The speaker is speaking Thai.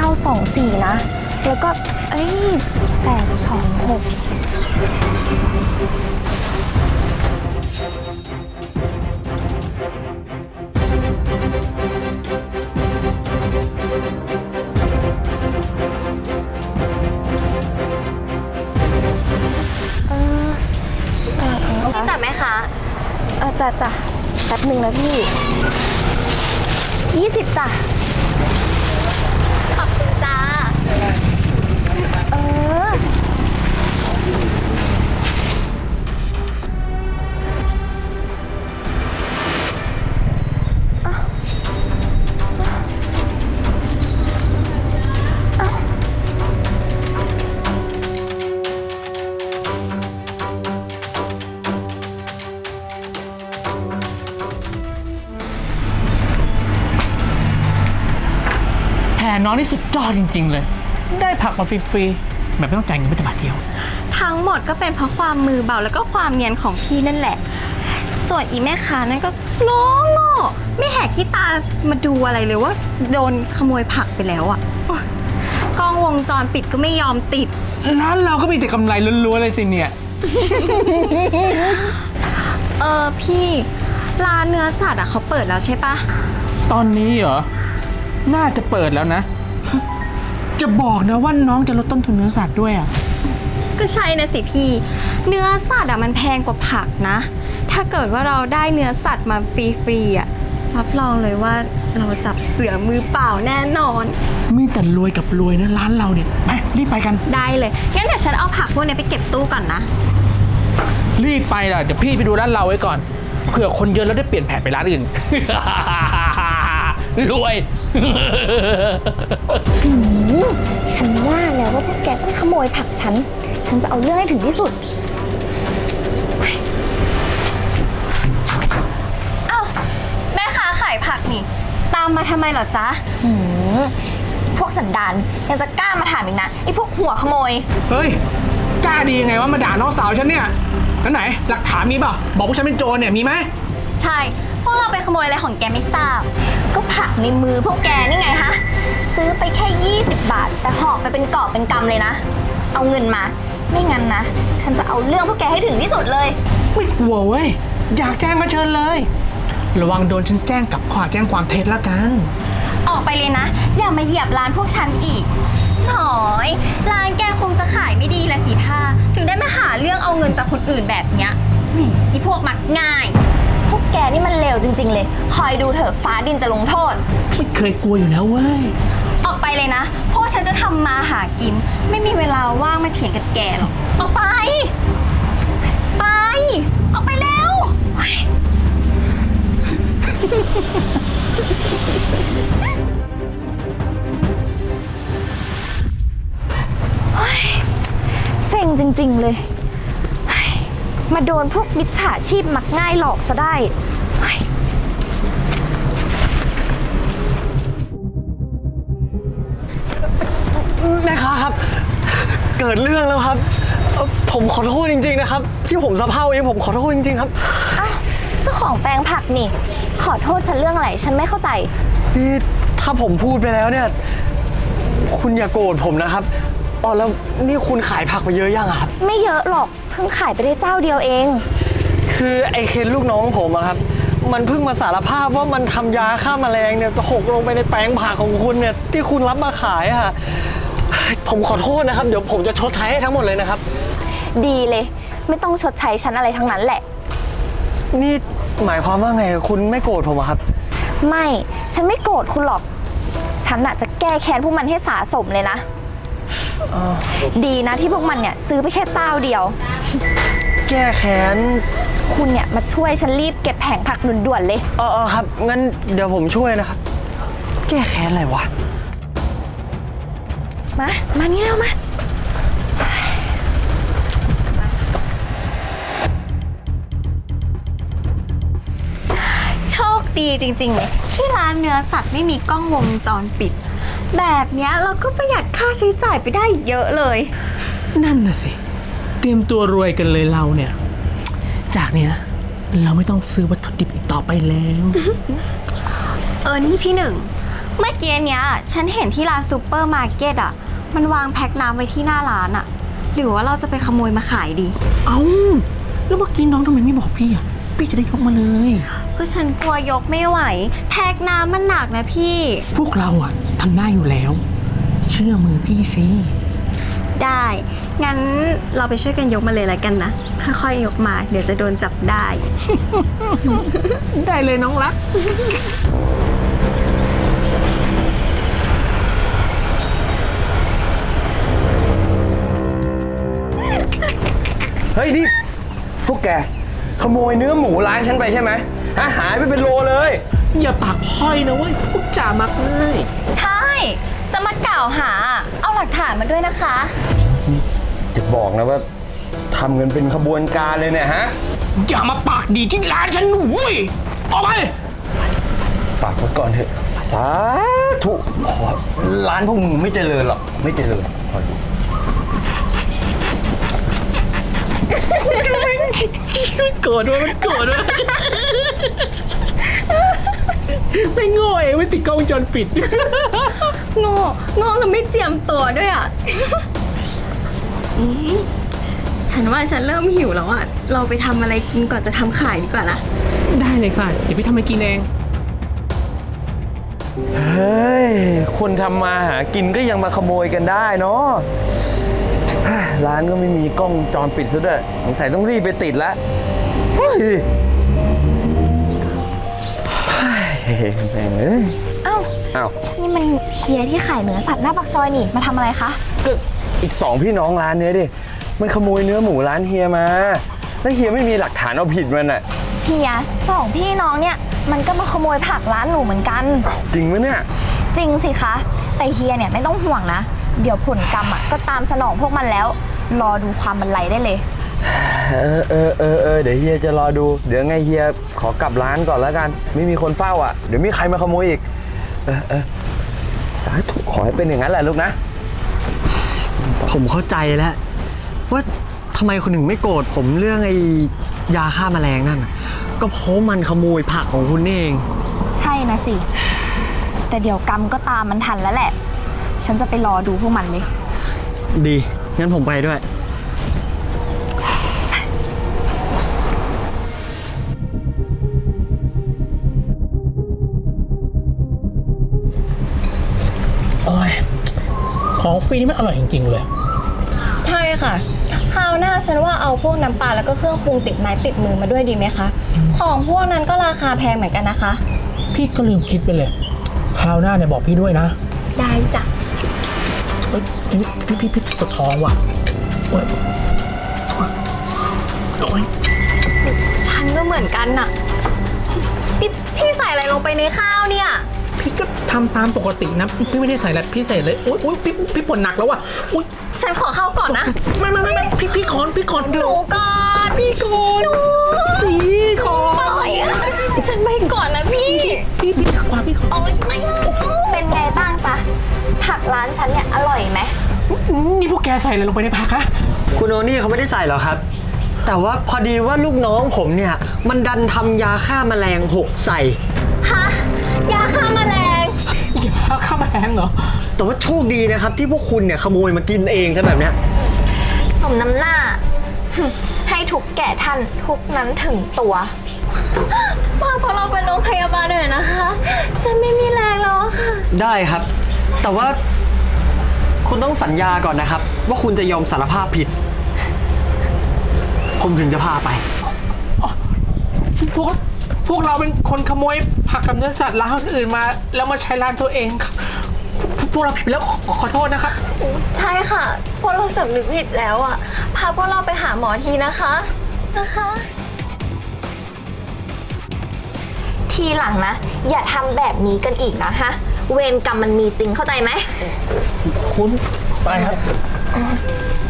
924นะแล้วก็826 พี่จัดไหมคะจ้ะแป๊บหนึ่งนะพี่20จ้ะขอบคุณจ้าเออแผนน้องนี่สุดยอดจริงๆเลย ได้ผักมาฟรีๆแบบไม่ต้องจ่ายเงินแม้แต่บาทเดียวทั้งหมดก็เป็นเพราะความมือเบาแล้วก็ความเนียนของพี่นั่นแหละ ส่วนอีแม่ค้านั่นก็โง่ไม่แหกขี้ตามาดูอะไรเลยว่าโดนขโมยผักไปแล้วอ่ะโอ๊ยกล้องวงจรปิดก็ไม่ยอมติดร้านเราก็มีแต่กำไรล้วนๆเลยสิเนี่ยพี่ร้านเนื้อสัตว์อ่ะเขาเปิดแล้วใช่ปะตอนนี้เหรอ น่าจะเปิดแล้วนะ จะบอกนะว่าน้องจะลดต้นทุนเนื้อสัตว์ด้วยอ่ะก็ใช่นะสิพี่ เนื้อสัตว์อ่ะมันแพงกว่าผักนะ ถ้าเกิดว่าเราได้เนื้อสัตว์มาฟรีๆอ่ะรับรองเลยว่าเราจับเสือมือเปล่าแน่นอนมีแต่รวยกับรวยนะร้านเราเนี่ย ไปรีบไปกันได้เลยงั้นเดี๋ยวฉันเอาผักพวกนี้ไปเก็บตู้ก่อนนะรีบไปล่ะ เดี๋ยวพี่ไปดูร้านเราไว้ก่อน เผื่อคนเยอะแล้วได้เปลี่ยนแผนไปร้านอื่น รวยฉันว่าแล้วว่าพวกแกต้องขโมยผักฉันจะเอาเรื่องให้ถึงที่สุดเอ้าแม่ค้าขายผักนี่ ตามมาทำไมเหรอจ๊ะพวกสันดานยังจะกล้ามาถามอีกนะไอ้พวกหัวขโมยเฮ้ย กล้าดียังไงว่ามาด่าน้องสาวฉันเนี่ยแล้วไหน หลักฐานมีเปล่าบอกว่าฉันเป็นโจรเนี่ยมีไหมใช่พวกเราไปขโมยอะไรของแกไม่ทราบก็ผักในมือพวกแกนี่ไงฮะซื้อไปแค่20 บาท แต่ห่อไปเป็นกอบเป็นกำเลยนะ เอาเงินมา ไม่งั้นนะ ฉันจะเอาเรื่องพวกแกให้ถึงที่สุดเลยไม่กลัวเว้ย อยากแจ้งก็เชิญเลย ระวังโดนฉันแจ้งกับข้อแจ้งความเท็จละกันออกไปเลยนะ อย่ามาเหยียบร้านพวกฉันอีกหน่อยร้านแกคงจะขายไม่ดีละสิท่าถึงได้มาหาเรื่องเอาเงินจากคนอื่นแบบเนี้ยอีพวกมักง่ายพวกแกนี่มันเลวจริงๆเลย คอยดูเถอะฟ้าดินจะลงโทษไม่เคยกลัวอยู่แล้วเว้ยออกไปเลยนะพวกฉันจะทำมาหากิน ไม่มีเวลาว่างมาเถียงกับแกหรอกออกไป ไป ออกไปเร็วเซ็งจริงๆเลย มาโดนพวกมิจฉาชีพมักง่ายหลอกซะได้แม่ค้าครับ เกิดเรื่องแล้วครับผมขอโทษจริงๆนะครับที่ผมสะเพร่าเองผมขอโทษจริงๆครับอ้าวเจ้าของแปลงผักนี่ ขอโทษฉันเรื่องอะไร ฉันไม่เข้าใจนี่ถ้าผมพูดไปแล้วเนี่ยคุณอย่าโกรธผมนะครับอ๋อแล้วนี่คุณขายผักมาเยอะยังอะครับไม่เยอะหรอก เพิ่งขายไปได้เจ้าเดียวเองคือไอ้เคนลูกน้องผมอะครับมันเพิ่งมาสารภาพว่ามันทำยาฆ่าแมลงเนี่ยหกลงไปในแปลงผักของคุณเนี่ยที่คุณรับมาขายอะผมขอโทษนะครับเดี๋ยวผมจะชดใช้ให้ทั้งหมดเลยนะครับดีเลย ไม่ต้องชดใช้ฉันอะไรทั้งนั้นแหละนี่หมายความว่าไงคุณไม่โกรธผมอะครับไม่ ฉันไม่โกรธคุณหรอก ฉันน่ะจะแก้แค้นพวกมันให้สาสมเลยนะ ดีนะที่พวกมันเนี่ยซื้อไปแค่เจ้าเดียวแก้แค้นคุณเนี่ยมาช่วยฉันรีบเก็บแผงผักด่วนๆเลยครับงั้นเดี๋ยวผมช่วยนะครับ แก้แค้นอะไรวะมานี่แล้วมาโชคดีจริงๆเลยที่ร้านเนื้อสัตว์ไม่มีกล้องวงจรปิด แบบเนี้ยเราก็ประหยัดค่าใช้จ่ายไปได้เยอะเลยนั่นน่ะสิ เตรียมตัวรวยกันเลยเราเนี่ย จากเนี้ยเราไม่ต้องซื้อวัตถุดิบอีกต่อไปแล้วนี่พี่หนึ่งเมื่อกี้เนี้ยฉันเห็นที่ร้านซูเปอร์มาร์เก็ตอ่ะมันวางแพ็คน้ำไว้ที่หน้าร้านอ่ะหรือว่าเราจะไปขโมยมาขายดีเอ้าแล้วเมื่อกี้น้องทำไมไม่บอกพี่อ่ะพี่จะได้ยกมาเลยก็ฉันกลัวยกไม่ไหวแพ็คน้ำมันหนักนะพี่พวกเราอ่ะทำได้อยู่แล้ว เชื่อมือพี่สิได้ งั้นเราไปช่วยกันยกมาเลยแล้วกันนะ ค่อยๆยกมา เดี๋ยวจะโดนจับได้ได้เลยน้องรักเฮ้ยนี่พวกแกขโมยเนื้อหมูร้านฉันไปใช่ไหมฮะหายไปเป็นโลเลยอย่าปากพร่อยนะเว้ยพูดจามักง่ายใช่ จะมากล่าวหา เอาหลักฐานมาด้วยนะคะจะบอกนะว่าทำกันเป็นขบวนการเลยเนี่ยฮะอย่ามาปากดีที่ร้านฉันเว้ยออกไปฝากไว้ก่อนเถอะสาธุขอร้านพวกมึงไม่เจริญหรอกไม่เจริญขอดูโกรธว่ามันโกรธว่าไม่โง่เองไม่ติดกล้องวงจรปิดโง่แล้วไม่เจียมตัวด้วยอ่ะ ฉันว่าฉันเริ่มหิวแล้วอ่ะ เราไปทำอะไรกินก่อนจะทำขายดีกว่านะได้เลยค่ะ เดี๋ยวพี่ทำให้กินเองเฮ้ยคนทำมาหากินก็ยังมาขโมยกันได้เนาะเฮ้ยร้านก็ไม่มีกล้องวงจรปิดซะด้วยสงสัยต้องรีบไปติดแล้วเฮ้ยแม่งเอ้ยเอ้าอ้าวนี่มันเฮียที่ขายเนื้อสัตว์หน้าปากซอยนี่ มาทำอะไรคะก็อีก2พี่น้องร้านเนี้ยดิ มันขโมยเนื้อหมูร้านเฮียมา แล้วเฮียไม่มีหลักฐานเอาผิดมันอ่ะเฮียสองพี่น้องเนี่ย มันก็มาขโมยผักร้านหนูเหมือนกันจริงไหมเนี่ยจริงสิคะ แต่เฮียเนี่ยไม่ต้องห่วงนะ เดี๋ยวผลกรรมอ่ะก็ตามสนองพวกมันแล้ว รอดูความบรรลัยได้เลยเดี๋ยวเฮียจะรอดู เดี๋ยวไงเฮียขอกลับร้านก่อนแล้วกัน ไม่มีคนเฝ้าอ่ะ เดี๋ยวมีใครมาขโมยอีก สาธุขอให้เป็นอย่างนั้นแหละลูกนะผมเข้าใจแล้วว่าทำไมคนหนึ่งไม่โกรธผมเรื่องไอ้ยาฆ่าแมลงนั่นน่ะก็เพราะมันขโมยผักของคุณนี่เองใช่นะสิ แต่เดี๋ยวกรรมก็ตามมันทันแล้วแหละ ฉันจะไปรอดูพวกมันเลยดี งั้นผมไปด้วยโอ้ย ของฟรีนี่มันอร่อยจริงๆเลยใช่ค่ะ คราวหน้าฉันว่าเอาพวกน้ำปลาแล้วก็เครื่องปรุงติดไม้ติดมือมาด้วยดีไหมคะ ของพวกนั้นก็ราคาแพงเหมือนกันนะคะพี่ก็ลืมคิดไปเลย คราวหน้าเนี่ยบอกพี่ด้วยนะได้จ้ะเอ้ยพี่ปวดท้องว่ะโอ้ยโอ้ยฉันก็เหมือนกันน่ะนี่พี่ใส่อะไรลงไปในข้าวเนี่ยพี่ก็ทำตามปกตินะ พี่ไม่ได้ใส่อะไรพี่ใส่เลยอุ้ยพี่ปวดหนักแล้วว่ะอุ้ยฉันขอเข้าก่อนนะไม่พี่ขอนหนูก่อนพี่ขอนพี่ขอปล่อยอะฉันไปก่อนนะพี่พี่จักความพี่ขอโอ๊ยไม่เป็นไงบ้างจ๊ะ ผักร้านฉันเนี่ยอร่อยไหมนี่พวกแกใส่อะไรลงไปในผักฮะคุณโอนี่เขาไม่ได้ใส่หรอกครับ แต่ว่าพอดีว่าลูกน้องผมเนี่ย มันดันทำยาฆ่าแมลงหกใส่ฮะยาฆ่าแมลงอย่าข้าวแมลงเหรอแต่ว่าโชคดีนะครับที่พวกคุณเนี่ยขโมยมากินเองซะแบบเนี้ยสมน้ำหน้า ให้ทุกแก่ท่านทุกนั้นถึงตัวพาพวกเราไปโรงพยาบาลหน่อยนะคะ ฉันไม่มีแรงแล้วอะค่ะได้ครับ แต่ว่าคุณต้องสัญญาก่อนนะครับ ว่าคุณจะยอมสารภาพผิด ผมถึงจะพาไปพวกเราเป็นคนขโมยผักกับเนื้อสัตว์ร้านอื่นมาแล้วมาใช้ร้านตัวเองครับพวกเราผิดแล้วขอโทษนะครับใช่ค่ะ พวกเราสำนึกผิดแล้วอ่ะ พาพวกเราไปหาหมอทีนะคะทีหลังนะ อย่าทำแบบนี้กันอีกนะฮะ เวรกรรมมันมีจริงเข้าใจไหมคุณไปครับ